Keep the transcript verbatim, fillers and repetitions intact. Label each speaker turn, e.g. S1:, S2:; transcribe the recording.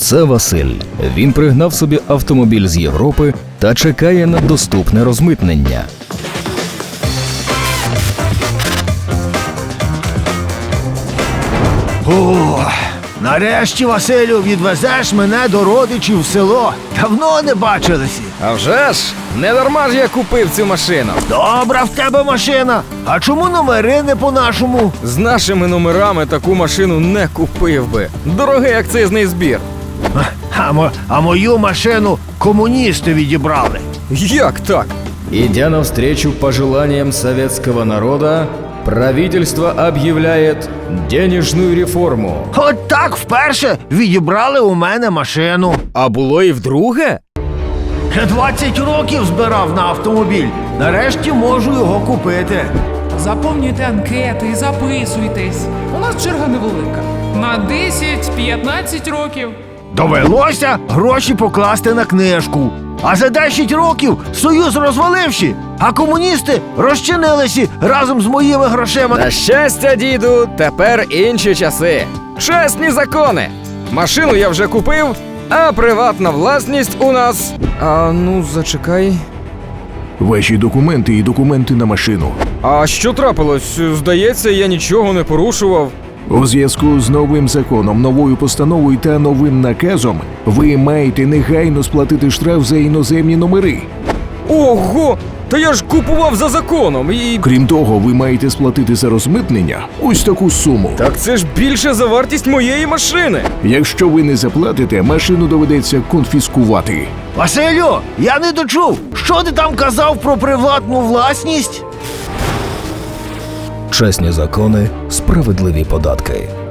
S1: Це Василь. Він пригнав собі автомобіль з Європи та чекає на доступне розмитнення.
S2: О, нарешті, Василю, відвезеш мене до родичів в село. Давно не бачилися.
S3: А вже ж, не дарма ж я купив цю машину.
S2: Добра в тебе машина. А чому номери не по-нашому?
S3: З нашими номерами таку машину не купив би. Дорогий акцизний збір.
S2: А, мо- а мою машину комуністи відібрали.
S3: Як так?
S1: Идя навстречу пожеланиям советского народа, правительство объявляет денежную реформу.
S2: От так вперше відібрали у мене машину.
S3: А було і вдруге?
S2: Я двадцять років збирав на автомобіль. Нарешті можу його купити.
S4: Заповнюйте анкети і записуйтесь. У нас черга невелика. На десять-п'ятнадцять років.
S2: Довелося гроші покласти на книжку. А за десять років Союз розваливши, а комуністи розчинилися разом з моїми грошима.
S3: На щастя, діду, тепер інші часи. Чесні закони. Машину я вже купив, а приватна власність у нас... А ну, зачекай.
S5: Ваші документи і документи на машину.
S3: А що трапилось? Здається, я нічого не порушував.
S5: У зв'язку з новим законом, новою постановою та новим наказом ви маєте негайно сплатити штраф за іноземні номери.
S3: Ого! Та я ж купував за законом і...
S5: Крім того, ви маєте сплатити за розмитнення ось таку суму.
S3: Так це ж більше за вартість моєї машини.
S5: Якщо ви не заплатите, машину доведеться конфіскувати.
S2: Василю, я не дочув. Що ти там казав про приватну власність?
S1: Чесні закони, справедливі податки.